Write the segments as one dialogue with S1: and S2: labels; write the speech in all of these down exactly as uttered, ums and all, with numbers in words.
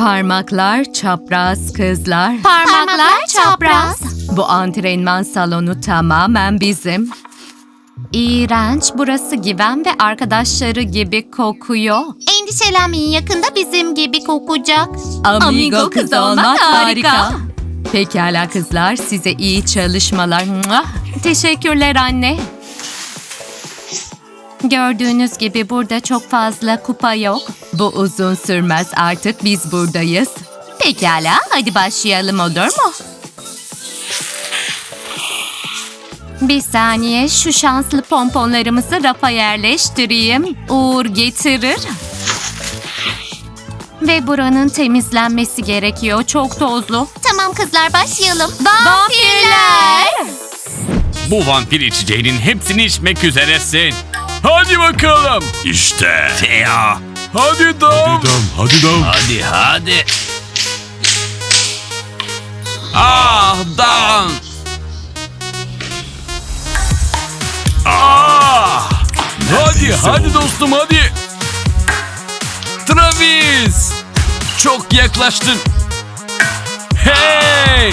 S1: Parmaklar çapraz kızlar.
S2: Parmaklar çapraz.
S1: Bu antrenman salonu tamamen bizim. İğrenç, burası Güven ve arkadaşları gibi kokuyor.
S2: Endişelenmeyin, yakında bizim gibi kokacak.
S1: Amigo kız olmak harika. Pekala kızlar, size iyi çalışmalar. Mua! Teşekkürler anne. Gördüğünüz gibi burada çok fazla kupa yok. Bu uzun sürmez, artık biz buradayız. Pekala, hadi başlayalım, olur mu? Bir saniye, şu şanslı pomponlarımızı rafa yerleştireyim. Uğur getirir. Ve buranın temizlenmesi gerekiyor, çok tozlu.
S2: Tamam kızlar, başlayalım.
S1: Vampirler!
S3: Bu vampir içeceğinin hepsini içmek üzeresin. Hadi bakalım. İşte. Teo. Hadi dam.
S4: Hadi dam, hadi dam.
S3: Hadi hadi. Ah dam. Ah. Hadi hadi dostum hadi. Travis. Çok yaklaştın. Hey.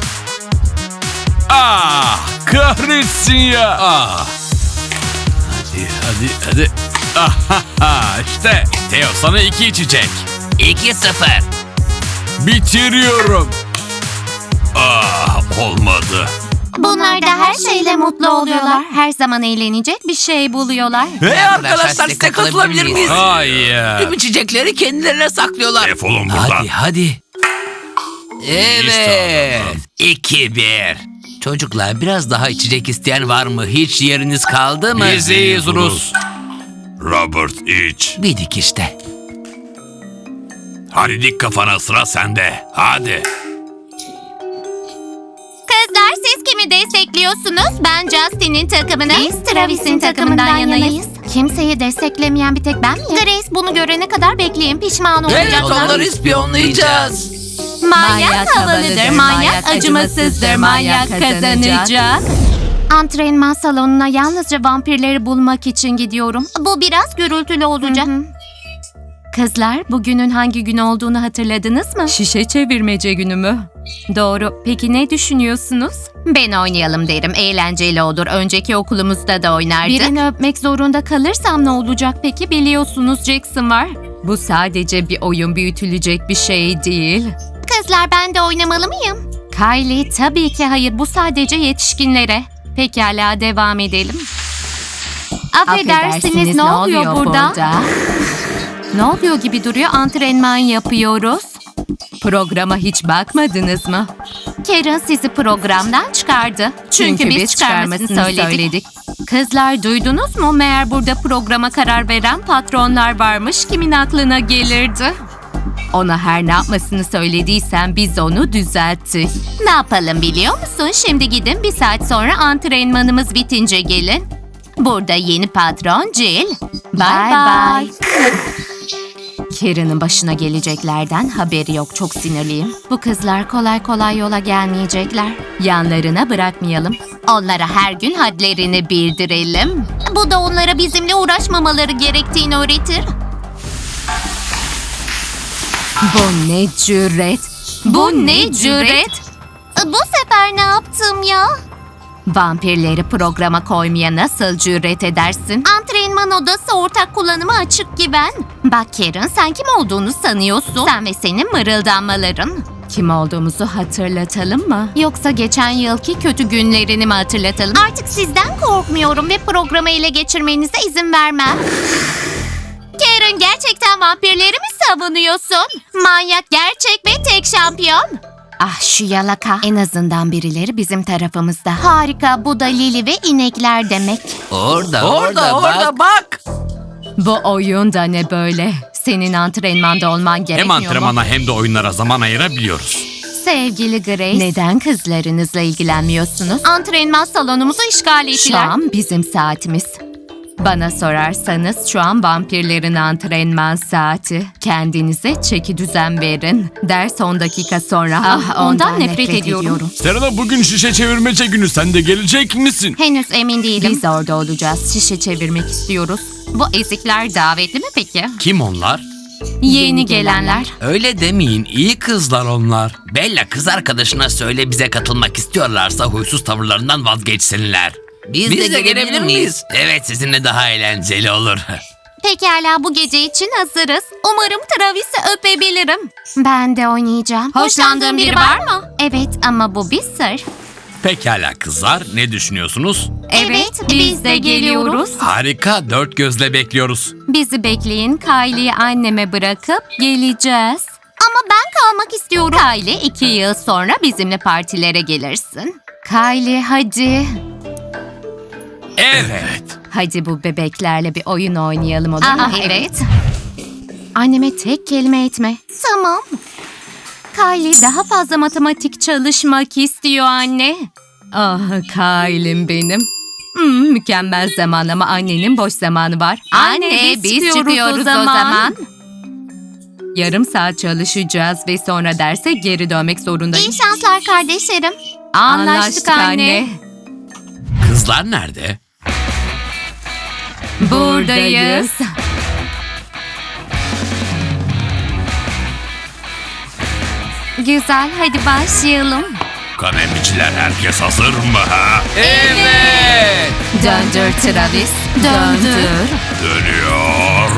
S3: Ah kahretsin ya. Ah. Hadi hadi hadi. Ah işte Teo sana iki içecek. iki sıfır. Bitiriyorum. Ah olmadı.
S2: Bunlar da her şeyle mutlu oluyorlar.
S1: Her zaman eğlenecek bir şey buluyorlar.
S5: Hey arkadaşlar, size katılabilir miyiz?
S3: Hayır.
S5: Tüm içecekleri kendilerine saklıyorlar.
S4: Defolun buradan.
S5: Hadi hadi. Evet. iki bir. Çocuklar, biraz daha içecek isteyen var mı? Hiç yeriniz kaldı mı?
S3: Biz iyiyiz Rus.
S4: Robert iç.
S5: Bir dik işte.
S4: Hadi dik kafana, sıra sende. Hadi.
S2: Kızlar, siz kimi destekliyorsunuz? Ben Justin'in takımını. Biz Travis'in takımından yanayız.
S1: Kimseyi desteklemeyen bir tek ben miyim?
S2: Grace bunu görene kadar bekleyin, pişman
S5: Evet,
S2: olacaklar.
S5: onları ispiyonlayacağız.
S2: Manyak havalıdır, manyak acımasızdır, manyak kazanacak.
S1: Antrenman salonuna yalnızca vampirleri bulmak için gidiyorum.
S2: Bu biraz gürültülü olacak.
S1: Kızlar, bugünün hangi gün olduğunu hatırladınız mı? Şişe çevirmece günü mü? Doğru. Peki ne düşünüyorsunuz?
S2: Ben oynayalım derim, eğlenceli olur. Önceki okulumuzda da oynardık.
S1: Birini öpmek zorunda kalırsam ne olacak peki? Biliyorsunuz Jackson var. Bu sadece bir oyun, büyütülecek bir şey değil.
S2: Kızlar, ben de oynamalı mıyım?
S1: Kylie, tabii ki hayır. Bu sadece yetişkinlere. Pekala, devam edelim. Affedersiniz, ne oluyor burada? Ne oluyor gibi duruyor? Antrenman yapıyoruz. Programa hiç bakmadınız mı?
S2: Karen sizi programdan çıkardı. Çünkü, biz çıkarmasını söyledik.
S1: Kızlar, duydunuz mu? Meğer burada programa karar veren patronlar varmış. Kimin aklına gelirdi? Ona her ne yapmasını söylediysen biz onu düzelttik.
S2: Ne yapalım biliyor musun? Şimdi gidin, bir saat sonra antrenmanımız bitince gelin. Burada yeni patron Jill.
S1: Bye bye. Karen'ın başına geleceklerden haberi yok. Çok sinirliyim. Bu kızlar kolay kolay yola gelmeyecekler. Yanlarına bırakmayalım.
S2: Onlara her gün hadlerini bildirelim. Bu da onlara bizimle uğraşmamaları gerektiğini öğretir.
S1: Bu ne cüret?
S2: Bu ne cüret? Bu sefer ne yaptım ya?
S1: Vampirleri programa koymaya nasıl cüret edersin?
S2: Antrenman odası ortak kullanıma açık Güven. Bak Karen, sen kim olduğunu sanıyorsun? Sen ve senin mırıldanmaların.
S1: Kim olduğumuzu hatırlatalım mı? Yoksa geçen yılki kötü günlerini mi hatırlatalım?
S2: Artık sizden korkmuyorum ve programı ele geçirmenize izin vermem. Karen, gerçekten vampirleri mi savunuyorsun? Manyak, gerçek ve tek şampiyon.
S1: Ah şu yalaka. En azından birileri bizim tarafımızda.
S2: Harika, bu da Lili ve inekler demek.
S5: Orada, Orada, orada, orada bak.
S1: Bu oyun da ne böyle? Senin antrenmanda olman
S3: Hem
S1: gerekmiyor mu?
S3: antrenmana hem de oyunlara zaman ayırabiliyoruz.
S1: Sevgili Grace, neden kızlarınızla ilgilenmiyorsunuz?
S2: Antrenman salonumuzu işgal
S1: Şu
S2: ettiler.
S1: an bizim saatimiz. Bana sorarsanız şu an vampirlerin antrenman saati. Kendinize çeki düzen verin. Ders on dakika sonra.
S2: Ah, ondan nefret ediyorum.
S3: Serena, bugün şişe çevirmece günü. Sen de gelecek misin?
S2: Henüz emin değilim.
S1: Biz orada olacağız. Şişe çevirmek istiyoruz.
S2: Bu ezikler davetli mi peki?
S3: Kim onlar?
S1: Yeni gelenler.
S5: Öyle demeyin, iyi kızlar onlar. Bella, kız arkadaşına söyle bize katılmak istiyorlarsa huysuz tavırlarından vazgeçsinler. Biz, de, gelebilir miyiz? Evet, sizinle daha eğlenceli olur.
S2: Pekala, bu gece için hazırız. Umarım Travis'i öpebilirim. Ben de oynayacağım.
S1: Hoşlandığın biri var mı?
S2: Evet, ama bu bir sır.
S3: Pekala kızlar, ne düşünüyorsunuz?
S2: Evet, biz de geliyoruz.
S3: Harika, dört gözle bekliyoruz.
S1: Bizi bekleyin. Kylie'yi anneme bırakıp geleceğiz.
S2: Ama ben kalmak istiyorum.
S1: Kylie, iki yıl sonra bizimle partilere gelirsin. Kylie hadi.
S3: Evet.
S1: Hadi bu bebeklerle bir oyun oynayalım olur mu?
S2: Aha, evet.
S1: Anneme tek kelime etme.
S2: Tamam.
S1: Kylie daha fazla matematik çalışmak istiyor anne. Ah Kylie'm benim. Hmm, mükemmel zaman ama annenin boş zamanı var.
S2: Anne, biz çıkıyoruz o zaman.
S1: Yarım saat çalışacağız ve sonra derse geri dönmek zorundayım.
S2: İyi şanslar kardeşlerim.
S1: Anlaştık anne.
S3: Kızlar nerede?
S1: Buradayız.
S2: Güzel, hadi başlayalım.
S4: Kanemiciler, herkes hazır mı ha?
S3: Evet.
S1: Döndür Travis.
S2: Döndür.
S1: Döndür.
S4: Dönüyor.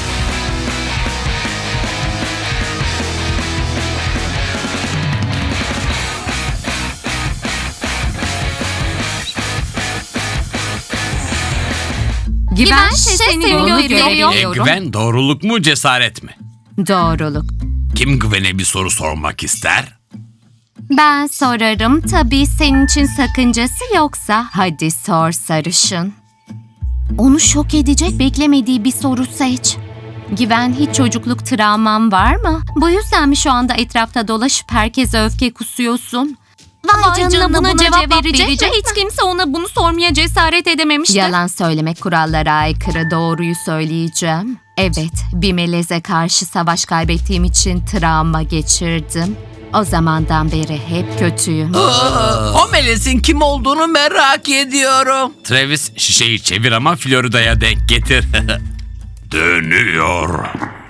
S1: Güven
S2: şişe
S1: seni
S2: seni
S1: yolu
S2: gösteriyor.
S3: E,
S1: görebiliyorum.
S3: güven doğruluk mu cesaret mi?
S1: Doğruluk.
S4: Kim Güven'e bir soru sormak ister?
S1: Ben sorarım. Tabii senin için sakıncası yoksa. Hadi sor sarışın. Onu şok edecek beklemediği bir soru seç. Güven, hiç çocukluk travman var mı? Bu yüzden mi şu anda etrafta dolaşıp herkese öfke kusuyorsun?
S2: Vay, canına, buna, cevap, verecek, mi?
S1: Hiç kimse ona bunu sormaya cesaret edememişti. Yalan söylemek kurallara aykırı, doğruyu söyleyeceğim. Evet, bir meleze karşı savaş kaybettiğim için travma geçirdim. O zamandan beri hep kötüyüm.
S5: o melesin kim olduğunu merak ediyorum.
S3: Travis, şişeyi çevir ama Florida'ya denk getir.
S4: Dönüyor.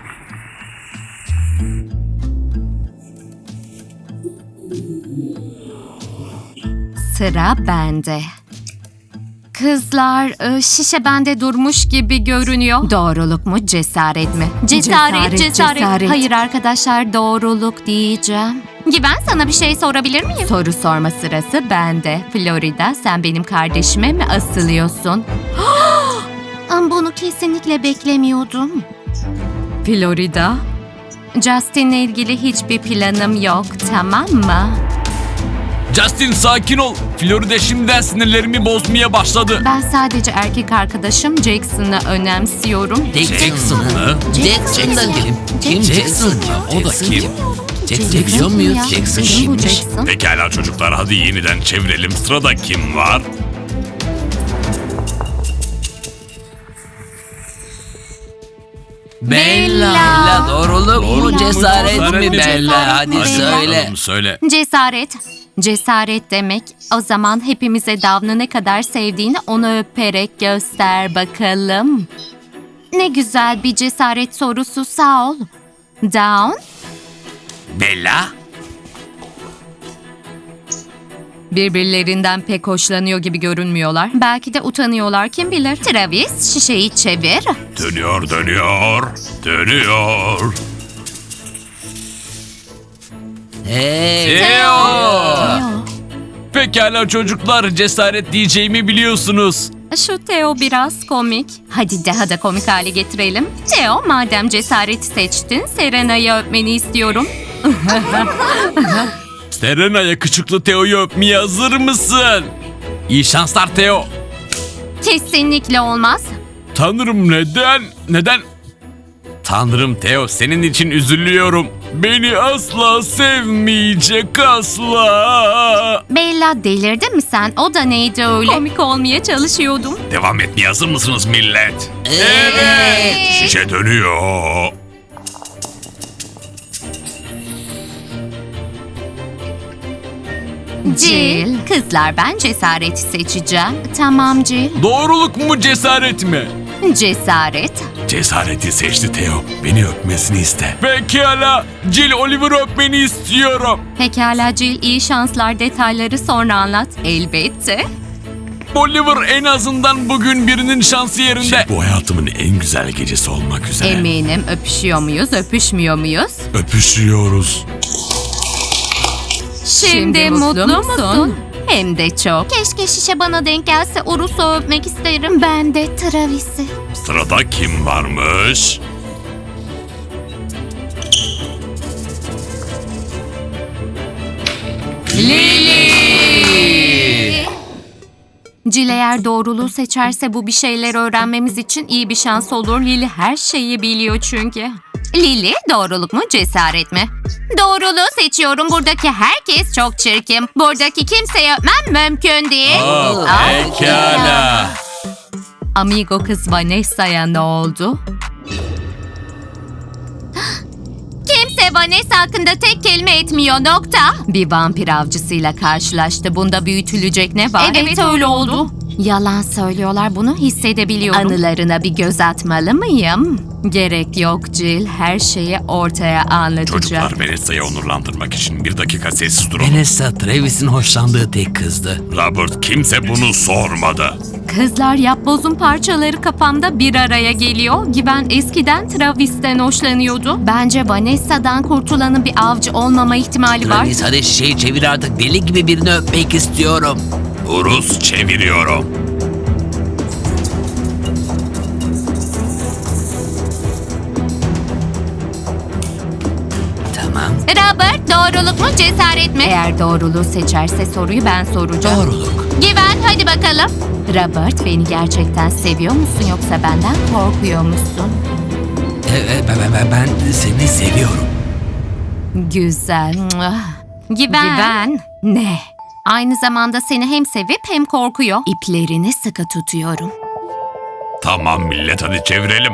S1: Sıra bende. Kızlar, e, şişe bende durmuş gibi görünüyor. Doğruluk mu, cesaret mi?
S2: Cesaret, cesaret.
S1: Hayır arkadaşlar, doğruluk diyeceğim.
S2: Güven, sana bir şey sorabilir miyim?
S1: Soru sorma sırası bende. Florida, sen benim kardeşime mi asılıyorsun?
S2: Ama bunu kesinlikle beklemiyordum.
S1: Florida, Justin'le ilgili hiçbir planım yok, tamam mı?
S3: Justin sakin ol. Florida şimdiden sinirlerimi bozmaya başladı.
S1: Ben sadece erkek arkadaşım Jackson'ı önemsiyorum.
S5: Jackson mı?
S2: Jackson
S5: Jackson da
S2: ya.
S5: kim? Kim Jackson mı? O da kim? Jackson biliyor muyuz?
S1: ya.
S5: Jackson
S1: Kim bu
S5: kimmiş?
S1: Jackson?
S4: Pekala çocuklar, hadi yeniden çevirelim. Sırada kim var?
S5: Bella. Bella, doğruluk mu,
S3: Doğruluk mu,
S5: cesaret
S3: cesaret
S5: mi
S3: mi?
S5: Bella? Hadi
S1: Bella.
S5: söyle.
S3: Bakalım, söyle.
S1: Cesaret. Cesaret demek, o zaman hepimize Davn'ı ne kadar sevdiğini onu öperek göster bakalım. Ne güzel bir cesaret sorusu, sağ ol. Down,
S4: Bella?
S1: birbirlerinden pek hoşlanıyor gibi görünmüyorlar. Belki de utanıyorlar, kim bilir. Travis, şişeyi çevir.
S4: Dönüyor, dönüyor. Dönüyor.
S5: Hey.
S3: Theo. Pekala çocuklar, cesaret diyeceğimi biliyorsunuz.
S1: Şu Theo biraz komik. Hadi daha da komik hale getirelim. Theo, madem cesareti seçtin, Serena'yı öpmeni istiyorum.
S3: Serena'ya küçüklü Theo'yu öpmeye hazır mısın? İyi şanslar Theo.
S1: Kesinlikle olmaz.
S3: Tanrım neden? Neden? Tanrım Theo, senin için üzülüyorum. Beni asla sevmeyecek, asla.
S1: Bella, delirdin mi sen? O da neydi öyle? Komik olmaya çalışıyordum.
S4: Devam etmeye hazır mısınız millet?
S5: Evet.
S4: Şişe dönüyor.
S1: Jill, kızlar ben cesareti seçeceğim. Tamam Jill.
S3: Doğruluk mu cesaret mi?
S1: Cesaret.
S4: Cesareti seçti Theo. Beni öpmesini iste.
S3: Pekala. Jill Oliver'ı öpmeni istiyorum.
S1: Pekala Jill, iyi şanslar, detayları sonra anlat. Elbette.
S3: Oliver en azından bugün birinin şansı yerinde.
S4: Bu hayatımın en güzel gecesi olmak üzere.
S1: Eminim öpüşüyor muyuz, öpüşmüyor muyuz?
S4: Öpüşüyoruz.
S1: Şimdi, mutlu, musun? Hem de çok.
S2: Keşke şişe bana denk gelse, Urus'u öpmek isterim.
S1: Ben de Travis'i.
S4: Sırada kim varmış?
S1: Jill eğer doğruluğu seçerse bu bir şeyler öğrenmemiz için iyi bir şans olur. Lily her şeyi biliyor çünkü. Lily, doğruluk mu cesaret mi?
S2: Doğruluğu seçiyorum. Buradaki herkes çok çirkin. Buradaki kimseyi öpmem mümkün değil.
S3: Aa, pekala.
S1: Amigo kız Vanessa'ya ne oldu?
S2: Kimse Vanessa hakkında tek kelime etmiyor, nokta.
S1: Bir vampir avcısıyla karşılaştı. Bunda büyütülecek ne var?
S2: Evet, öyle oldu.
S1: Yalan söylüyorlar, bunu hissedebiliyorum. Anılarına bir göz atmalı mıyım? Gerek yok Jill, her şeyi ortaya anlatacağım.
S4: Çocuklar, Vanessa'yı onurlandırmak için bir dakika sessiz durun.
S5: Vanessa Travis'in hoşlandığı tek kızdı.
S4: Robert, kimse bunu sormadı.
S1: Kızlar, yapbozun parçaları kafamda bir araya geliyor. Güven eskiden Travis'ten hoşlanıyordu. Bence Vanessa'dan kurtulanın bir avcı olmama ihtimali var.
S5: Travis, hadi şişeyi çevir artık, deli gibi birini öpmek istiyorum.
S4: Urus, çeviriyorum.
S5: Tamam.
S2: Robert, doğruluk mu cesaret mi?
S1: Eğer doğruluğu seçerse soruyu ben soracağım.
S5: Doğruluk.
S2: Güven, hadi bakalım.
S1: Robert, beni gerçekten seviyor musun yoksa benden korkuyor musun?
S5: Evet, ben, ben, ben seni seviyorum.
S1: Güzel.
S2: Güven.
S1: Güven. Ne? Aynı zamanda seni hem sevip hem korkuyor. İplerini sıkı tutuyorum.
S4: Tamam millet, hadi çevirelim.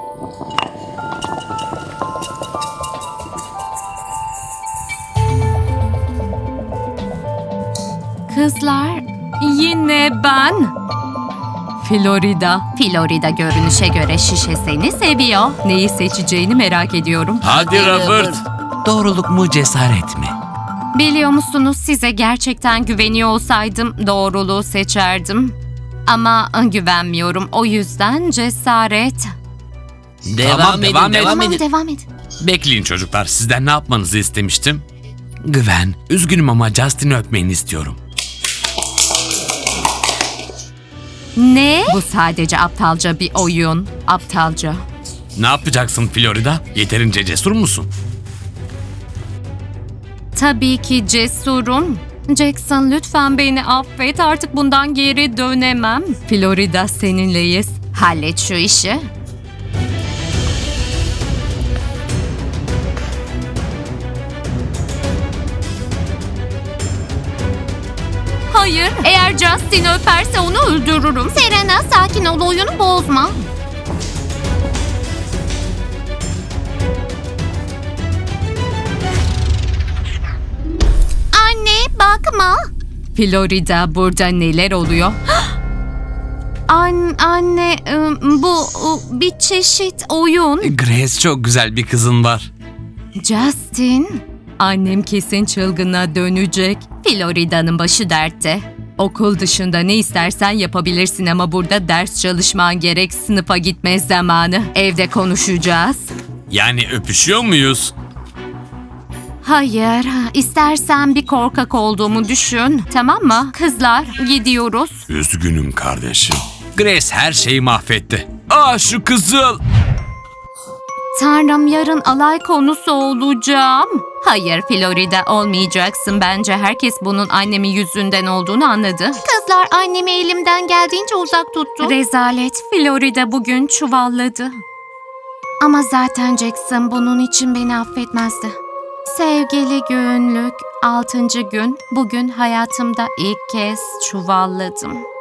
S1: Kızlar, yine ben. Florida. Florida görünüşe göre şişe seni seviyor. Neyi seçeceğini merak ediyorum.
S3: Hadi Robert.
S5: Doğruluk mu cesaret mi?
S1: Biliyor musunuz, size gerçekten güveniyor olsaydım doğruluğu seçerdim. Ama güvenmiyorum, o yüzden cesaret.
S5: Devam
S3: Tamam,
S5: edin,
S3: devam
S5: devam,
S3: edin.
S5: edin.
S1: Devam edin.
S3: Bekleyin çocuklar, sizden ne yapmanızı istemiştim?
S5: Güven, üzgünüm ama Justin'i öpmeni istiyorum.
S1: Ne? Bu sadece aptalca bir oyun. Aptalca.
S3: Ne yapacaksın Florida? Yeterince cesur musun?
S1: Tabii ki cesurum. Jackson, lütfen beni affet. Artık bundan geri dönemem. Florida, seninleyiz. Hallet şu işi. Hayır, eğer Justin öperse onu öldürürüm.
S2: Serena, sakin ol, oyunu bozma. Anne, bakma.
S1: Florida, burada neler oluyor? An anne, ım, bu ı, bir çeşit oyun.
S3: Grace, çok güzel bir kızın var.
S1: Justin, annem kesin çılgına dönecek. Florida'nın başı dertte. Okul dışında ne istersen yapabilirsin ama burada ders çalışman gerek. Sınıfa gitme zamanı. Evde konuşacağız.
S3: Yani öpüşüyor muyuz?
S1: Hayır, istersen bir korkak olduğumu düşün. Tamam mı? Kızlar, gidiyoruz.
S4: Üzgünüm kardeşim.
S3: Grace her şeyi mahvetti. Aa, şu kızıl.
S1: Tanrım, yarın alay konusu olacağım. Hayır Florida, olmayacaksın. Bence herkes bunun annemin yüzünden olduğunu anladı.
S2: Kızlar, annemi elimden geldiğince uzak tuttu.
S1: Rezalet, Florida bugün çuvalladı. Ama zaten Jackson bunun için beni affetmezdi. Sevgili günlük, altıncı gün. Bugün hayatımda ilk kez çuvalladım.